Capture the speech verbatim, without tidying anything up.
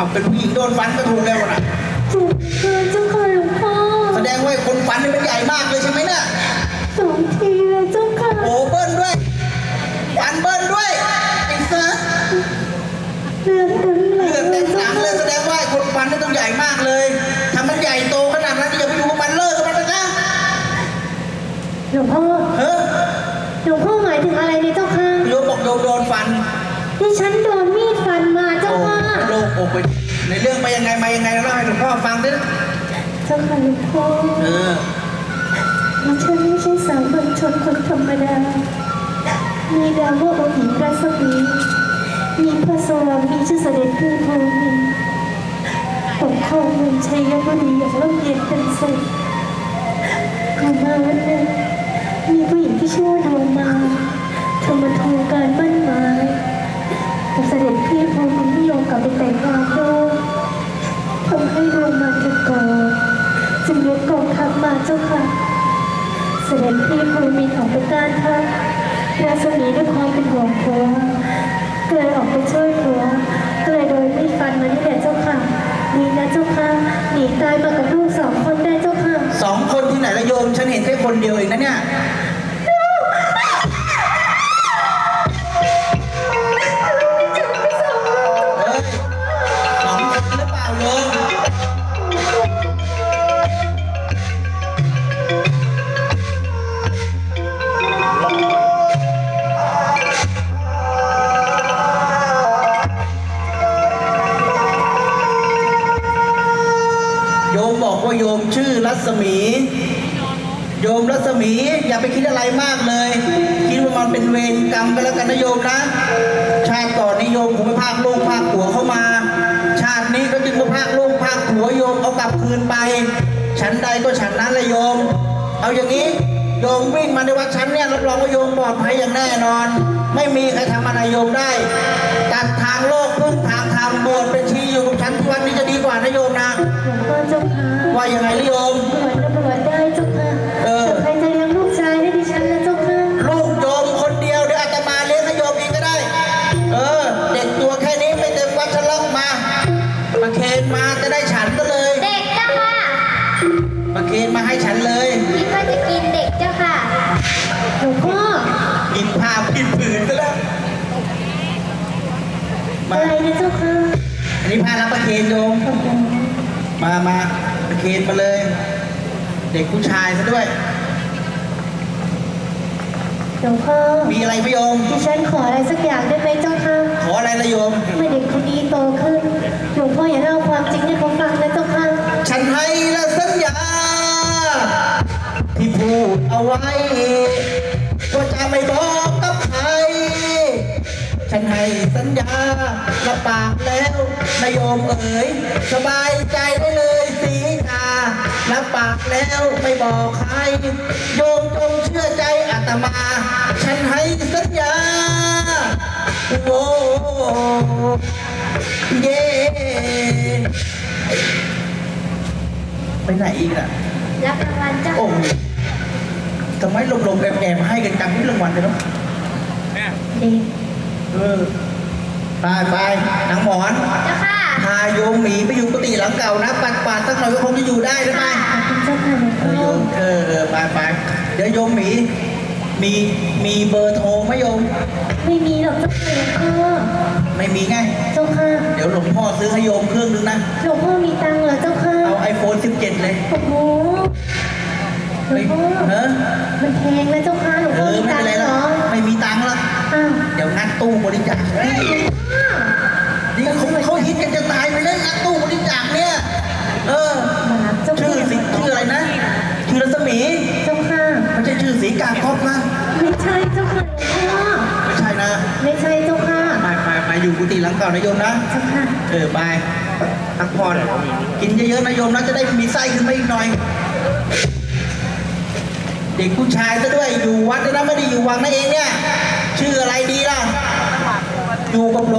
เป็นผู้หญิงโดนฟันก็ถูกแล้วนะถูกเกินเจ้าค่ะหลวงพ่อแสดงว่าคนฟันนี่มันใหญ่มากเลยใช่ไหมเนี่ยสองทีเลยเจ้าค่ะโอ้เบิ้ลด้วยฟันเบิ้ลด้วยไอ้เสือเลือดเต็มหลังเลือดเต็มหลังเลยแสดงว่าคนฟันนี่ต้องใหญ่มากเลยถ้ามันใหญ่โตขนาดนั้นอย่าไปอยู่กับมันเลิกกับมันนะจ๊ะหลวงพ่อเฮ้ยหลวงพ่อหมายถึงอะไรเนี่ยเจ้าค่ะโยมบอกโยมโดนฟันที่ฉันโดนมีดฟันมาเจ้าค่ะโลกโอ้ไปในเรื่องไปยังไงมายังไงเล่าให้หลวงพ่อฟังดิเจ้าค่ะหลวงพ่อเออฉันไม่ใช่สามัญชนคนธรรมดามีดาวว่าองค์หญิงรัศมีมีพระสวามีชื่อเสด็จพี่ภูมิปกครองเมืองชัยบุรีอย่างร่มเย็นเป็นสุขก่อนมาวันหนึ่งมีผู้หญิงที่ชื่อว่าดวงมาเธอมาทวงการมั่นหมายแต่เสด็จพี่ภูมิไม่ยอมกลับไปแต่งงานด้วยทำให้ดวงมาจะก่อจึงยกกองทัพมาเจ้าค่ะเสด็จพี่ภูมิออกไปต้านทัพราศมีด้วยความเป็นห่วงผัวก็เลยออกไปช่วยผัวก็เลยโดนมีดฟันมานี่แหละเจ้าค่ะนี่นะเจ้าค่ะหนีตายมากับลูกสองคนได้เจ้าค่ะสองคนที่ไหนละโยมฉันเห็นแค่คนเดียวเองนะเนี่ยบอกว่าโยมชื่อรัศมีโยมรัศมีอย่าไปคิดอะไรมากเลยคิดว่ามันเป็นเวรกรรมกันแล้วกันนะโยมนะชาติก่อนนี้โยมคงไปพากลูกพากผัวเข้ามาชาตินี้ก็จึงมาพากลูกพากผัวโยมเอากลับคืนไปฉันใดก็ฉันนั้นเลยโยมเอาอย่างนี้โยมวิ่งมาในวัดฉันเนี่ยรับรองว่าโยมปลอดภัยอย่างแน่นอนไม่มีใครทำอะไรโยมได้ตัดทางโลกพึ่งทางธรรมบวชเป็นชีอยู่กับฉันที่วัดนี้จะดีกว่านะโยมนะหลวงพ่อเจ้าค่ะว่ายังไงโยมบวชแล้วบวชได้เจ้าค่ะเออใครจะเลี้ยงลูกชายให้ดิฉันนะเจ้าค่ะลูกโยมคนเดียวเดี๋ยวอาตมาเลี้ยงให้โยมเองก็ได้เออเด็กตัวแค่นี้ไม่เต็มวัดฉันล็อกมามาเคนมาจะได้ฉันก็เลยเด็กเจ้าค่ะมาเคนมาให้ฉันเลยคิดว่าจะกินเด็กเจ้าค่ะหลวงพ่อกินผ้ากินผืนก็แล้วอะไรนะเจ้าค่ะอันนี้ผ้ารับประเคนโยมมามาประเคนมาเลยเด็กผู้ชายซะด้วยหลวงพ่อมีอะไรพี่โยมดิฉันขออะไรสักอย่างได้ไหมเจ้าค่ะขออะไรละโยมเมื่อเด็กคนนี้โตขึ้นหลวงพ่ออย่าเล่าความจริงให้เขาฟังนะเจ้าค่ะฉันให้และสัญญาที่พูดเอาไว้ว่าจะไม่บอกกับใครฉันให้สัญญาละปากแล้วนายโยมเอ๋ยสบายใจได้เลยสีกาละปากแล้วไม่บอกใครโยมจงเชื่อใจอาตมาฉันให้สัญญาโอ้เย่ไปไหนอีกอ่ะรับรางวัลจ้าโอ้ทำไมลมๆแอบๆให้กันจังที่รางวัลเลยเนาะดีเออไปไปนางหมอนเจ้าค่ะพาโยมหมีไปอยู่กุฏิหลังเก่านะปัดปาดสักหน่อยก็คงจะอยู่ได้หรือไม่เจ้าค่ะเออโยมเออเออไปไปเดี๋ยวโยมหมีมีมีเบอร์โทรไหมโยมไม่มีหรอกเจ้าค่ะหลวงพ่อไม่มีไงเจ้าค่ะเดี๋ยวหลวงพ่อซื้อให้โยมเครื่องนึงนะหลวงพ่อมีตังค์เหรอเจ้าค่ะเอาไอโฟนสิบเจ็ดเลยโอ้โหหลวงพ่อเออมันแพงนะเจ้าค่ะหลวงพ่อมีตังค์เหรอไม่มีตังค์หรอกเดี๋ยวงัดตู้บริจาคนี่เขาเขาฮิตกันจะตายไปเลยงัดตู้บริจาคเนี่ยเออชื่อสิชื่ออะไรนะชื่อรัศมีเจ้าค่ะไม่ใช่ชื่อสีกาครอบนะไม่ใช่เจ้าค่ะหลวงพ่อไม่ใช่นะไม่ใช่เจ้าค่ะไปไปไปอยู่กุฏิหลังเก่านะโยมนะเจ้าค่ะเออไปพักผ่อนกินเยอะๆนะโยมนะจะได้มีไส้ขึ้นมาอีกหน่อยเด็กผู้ชายซะด้วยอยู่วัดนะไม่ได้อยู่วังนั่นเองเนี่ยชื่ออะไรดีล่ะอยู่กับ